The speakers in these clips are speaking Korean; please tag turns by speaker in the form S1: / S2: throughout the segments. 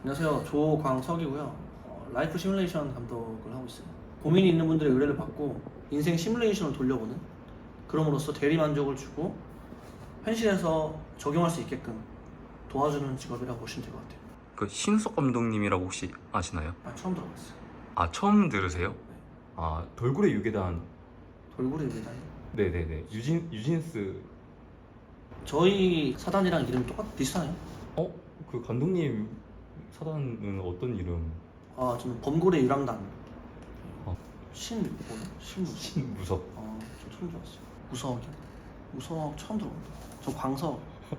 S1: 안녕하세요. 조광석이고요. 라이프 시뮬레이션 감독을 하고 있어요. 고민이 있는 분들의 의뢰를 받고 인생 시뮬레이션을 돌려보는, 그럼으로써 대리 만족을 주고 현실에서 적용할 수 있게끔 도와주는 직업이라고 보시면 될 것 같아요.
S2: 그 신숙 감독님이라고 혹시 아시나요?
S1: 처음 들어봤어요.
S2: 아, 처음 들으세요?
S1: 네.
S2: 아, 돌고래 유괴단.
S1: 돌고래 유괴단.
S2: 네네네. 유진스.
S1: 저희 사단이랑 이름이 비슷하네요.
S2: 그 감독님 사단은 어떤 이름?
S1: 저는 범고래 유랑단.
S2: 어.
S1: 신무석.
S2: 신무석.
S1: 저 처음 들어봤어요. 무석이요? 무석 처음 들어본다. 저 광석.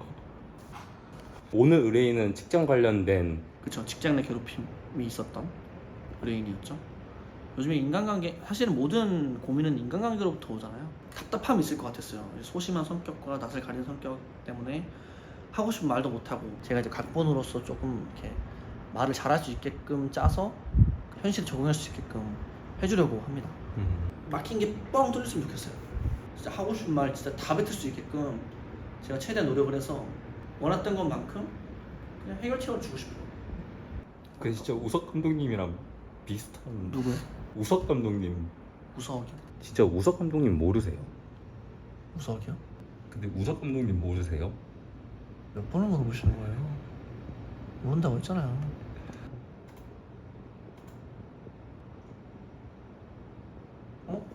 S2: 오늘 의뢰인은 직장 관련된.
S1: 그쵸, 직장 내 괴롭힘이 있었던 의뢰인이었죠. 요즘에 인간관계, 사실은 모든 고민은 인간관계로부터 오잖아요. 답답함이 있을 것 같았어요. 소심한 성격과 낯을 가리는 성격 때문에 하고 싶은 말도 못하고, 제가 이제 각본으로서 조금 이렇게 말을 잘할 수 있게끔 짜서 현실에 적응할 수 있게끔 해주려고 합니다. 막힌 게 뻥 뚫렸으면 좋겠어요. 진짜 하고 싶은 말 진짜 다 뱉을 수 있게끔 제가 최대한 노력을 해서 원했던 것만큼 그냥 해결책을 주고 싶어요.
S2: 그 진짜 우석 감독님이랑 비슷한.
S1: 누구요?
S2: 우석 감독님.
S1: 우석이요?
S2: 진짜 우석 감독님 모르세요?
S1: 우석이요?
S2: 근데 우석 감독님 모르세요?
S1: 몇 번을 물어보시는 거예요? 모른다고 했잖아요. 어?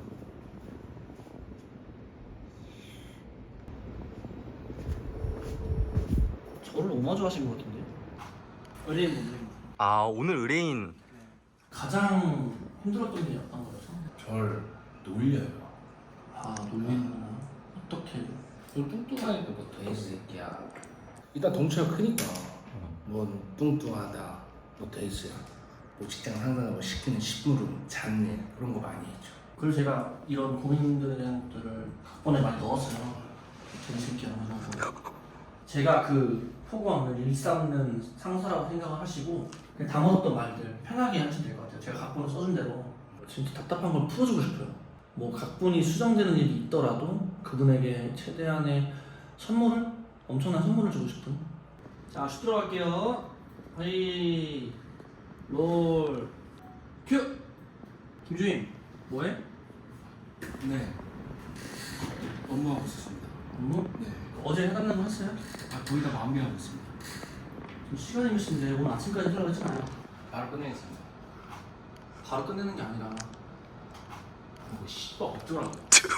S1: 저를 오마주 하신 것 같은데? 의뢰인 분들
S2: 아, 오늘 의뢰인.
S1: 가장 힘들었던 게 어떤 거였어?
S3: 절 놀려요.
S1: 놀리는구나. 어떻게?
S3: 너 뚱뚱하니까 뭐 돼지 새끼야. 일단 덩치가 크니까 뭐 뚱뚱하다, 뭐 돼지야, 뭐 직장 상사가 시키는 식물음, 잡일 그런 거 많이 했죠.
S1: 그래서 제가 이런 고민들을 각본에 많이 넣었어요. 재밌게 하면서 제가 그 포구함을 일삼는 상사라고 생각을 하시고 그냥 담아뒀던 말들 편하게 하시면 될 것 같아요. 제가 각본을 써준 대로 진짜 답답한 걸 풀어주고 싶어요. 뭐 각본이 수정되는 일이 있더라도 그분에게 최대한의 선물을, 엄청난 선물을 주고 싶은. 자, 슛 들어갈게요. 하이 롤 큐. 김주임 뭐해?
S4: 네. 업무하고 있었습니다.
S1: 업무?
S4: 네.
S1: 어제 해달라는 거 했어요?
S4: 거의 다 마무리하고 있습니다.
S1: 지금 시간이 몇 시인데 오늘 아침까지 하려고 했잖아요.
S4: 바로 끝내겠습니다.
S1: 바로 끝내는 게 아니라
S4: 뭐 씨발 어쩌라고.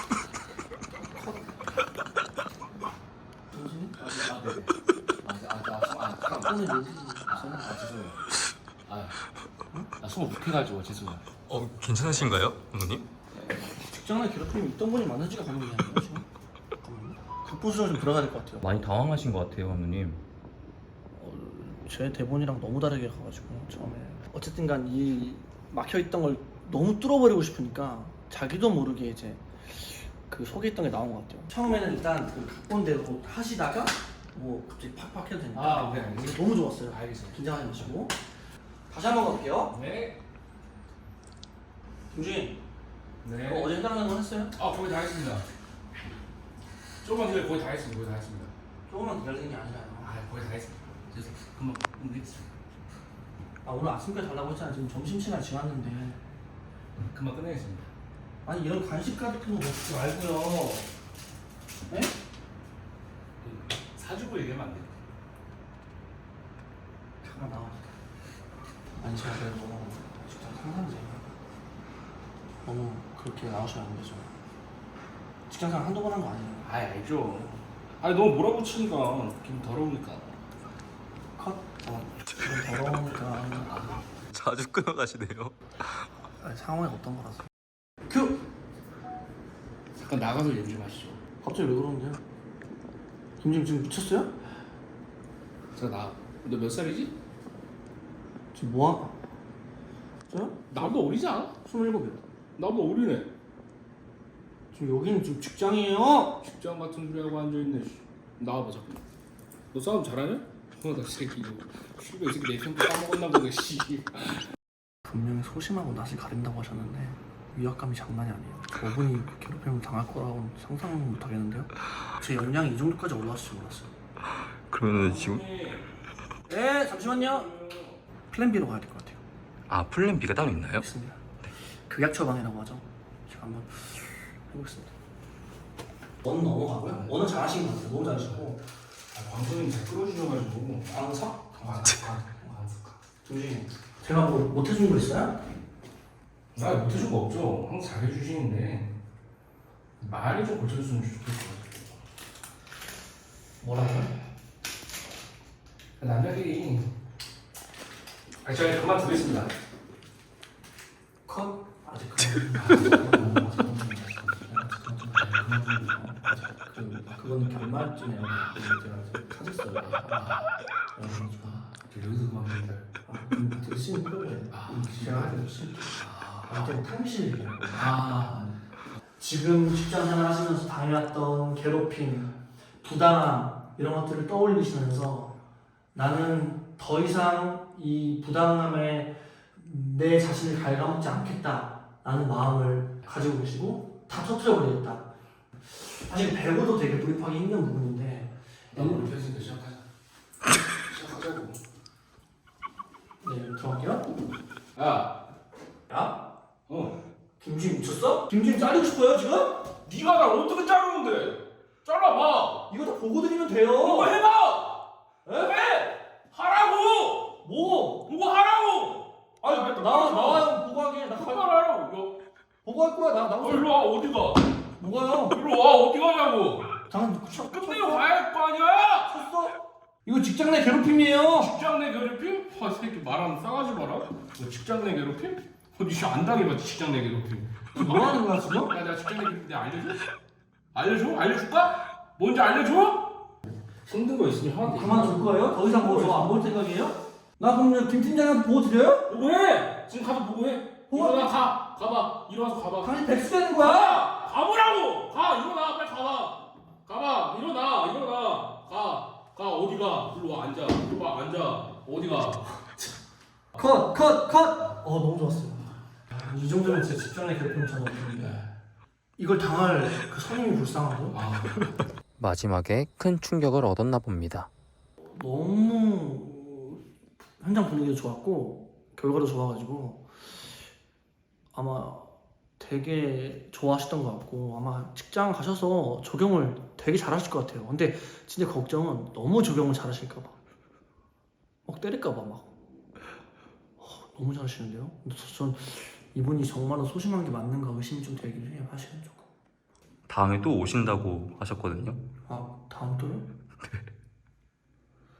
S1: 정신이?
S4: 네네.
S1: 꺼내줘.
S4: 죄송해요. 나 숨을 못해가지고 죄송해요.
S2: 괜찮으신가요, 감독님?
S1: 직장 내 괴롭힘이 있던 분이 많은지가 고민이 아니에요 지금? 각본 수정 좀 들어가야 될 것 같아요.
S2: 많이 당황하신 것 같아요, 감독님.
S1: 제 대본이랑 너무 다르게 가가지고 처음에 어쨌든 간 이 막혀있던 걸 너무 뚫어버리고 싶으니까 자기도 모르게 이제 그 속에 있던 게 나온 것 같아요. 처음에는 일단 그 각본대로 하시다가 뭐 갑자기 팍팍 해도 되니까
S4: 네, 알겠습니다.
S1: 너무 좋았어요.
S4: 알겠습니다.
S1: 긴장하지 마시고 다시 한번 가볼게요.
S4: 네.
S1: 김주인
S4: 네.
S1: 어제 해달라는 거 했어요?
S4: 거의 다 했습니다. 조금만 기다려. 거의 다 했습니다. 거의 다 했습니다.
S1: 조금만 기다리는 게 아니라요.
S4: 거의 다 했습니다. 죄송해요. 금방 끝내겠습니다.
S1: 오늘 아침까지 달라고 했잖아. 지금 점심시간 지났는데.
S4: 금방 끝내겠습니다.
S1: 아니 이런 간식 같은 거 먹지 말고요. 네?
S4: 사주고 얘기하면 안 돼요.
S1: 잠깐 나와. 아니 제가 그래도 직장 상사인데 너무 그렇게 나오시면 안 되죠. 직장상 한두 번 한 거 아니에요.
S4: 알죠. 너무 몰아붙이니까 기분 더러우니까.
S1: 컷. 기분 더러우니까.
S2: 자주 끊어가시네요.
S1: 상황이 어떤 거라서. 큐.
S4: 잠깐 나가서 얘기 좀 하시죠.
S1: 갑자기 왜 그러는데요? 김지임 지금 미쳤어요?
S4: 너 몇 살이지?
S1: 지금 뭐야? 저요?
S4: 나보다 어리지 않아?
S1: 27이요.
S4: 나보다 어리네.
S1: 지금 여기는 지금 직장이에요.
S4: 직장 같은 소리 하고 앉아있네. 나와봐 자꾸. 너 싸움 잘하냐? 나 새끼 이거. 씨발 이 새끼 내 성격 까먹었나 보네 씨.
S1: 분명히 소심하고 낯을 가린다고 하셨는데 위압감이 장난이 아니에요. 저분이 괴롭힘을 당할 거라고는 상상은 못 하겠는데요. 제 역량이 이 정도까지 올라왔을 줄 몰랐어요.
S2: 그러면 지금
S1: 네, 잠시만요. 플랜 B로 가야 될 것 같아요.
S2: 아 플랜 B가 따로 있나요?
S1: 있습니다. 극약 처방이라고 하죠. 제가 한번 해보겠습니다. 원은 넘어가고요. 원은 잘하신 것 같아요. 너무 잘하시고.
S3: 광수님 잘 끌어주셔가지고
S1: 광석?
S3: 광수가
S1: 조심. 제가 뭐 못해준 거 있어요?
S3: 나 못해줄 거 없죠. 항상 잘해주시는데 말이 좀 고쳐줬으면 좋겠어.
S1: 뭐라고요?
S3: 남자끼리 저희 그만두겠습니다.
S1: 컷? 아직 그건 결말쯤에 제가 찾았어요.
S3: 여기서 그만둡니다.
S1: 되게 심플해. 제가 하는 거 심플해. 되게 탐실. 지금 직장 생활 하시면서 당해왔던 괴롭힘, 부당함 이런 것들을 떠올리시면서 나는 더 이상 이 부당함에 내 자신을 갉아먹지 않겠다라는 마음을 가지고 계시고 다 터뜨려버리겠다. 사실 배우도 되게 돌입하기 힘든 부분인데
S3: 나 우리 패스니까 시작하자. 시작하자고.
S1: 네, 들어갈게요.
S3: 야,
S1: 야?
S3: 어.
S1: 김주임 미쳤어? 김주임 자르고 싶어요 지금?
S3: 네가 날 어떻게 자르는데? 잘라봐.
S1: 이거 다 보고 드리면 돼요.
S3: 그거 해봐.
S1: 에?
S3: 해. 하라고.
S1: 뭐?
S3: 그거 하라고.
S1: 아니 나와요 보고하게. 나
S3: 똑바로 하라고.
S1: 보고할 거야. 나 나오세요.
S3: 일로 와. 어디 가?
S1: 뭐가요?
S3: 일로 와. 어디 가냐고.
S1: 당연
S3: 끝내고 가야 할 거 아니야.
S1: 쳤어? 이거 직장 내 괴롭힘이에요.
S3: 직장 내 괴롭힘? 이 새끼 말하면 싸가지 마라. 너 직장 내 괴롭힘? 어디 안 당해봤지 직장 내 괴롭힘.
S1: 뭐 하는 거야 지금?
S3: 야, 내가 직장 내 괴롭힘 내가 알려줘? 알려줘? 알려줄까? 뭔지 알려줘? 힘든 거 있으면 형한테
S1: 그만 둘 거예요? 더 이상 뭐 저 안 볼 생각이에요? 나 그럼 김 팀장한테 보고 드려요?
S3: 보고해! 지금 가서 보고해.
S1: 보고?
S3: 일어나 가. 가봐. 일어나서 가봐.
S1: 당신 백수 되는 거야?
S3: 가보라고! 가! 일어나! 빨리 가봐! 가봐! 일어나! 일어나! 가! 어디 가? 일로 와 앉아. 일로 와 앉아. 어디 가?
S1: 컷! 너무 좋았어요. 이 정도면 진짜 직장 내 괴롭힘 전 없는데 이걸 당할 그 선임이 불쌍하죠?
S2: 마지막에 큰 충격을 얻었나 봅니다.
S1: 너무 현장 분위기도 좋았고 결과도 좋아가지고 아마 되게 좋아하셨던 것 같고 아마 직장 가셔서 적용을 되게 잘하실 것 같아요. 근데 진짜 걱정은 너무 적용을 잘하실까봐 막 때릴까봐 막 너무 잘하시는데요? 전 이분이 정말로 소심한 게 맞는가 의심이 좀 되긴 해요. 사실은 조금.
S2: 다음에 또 오신다고 하셨거든요.
S1: 아 다음 또요?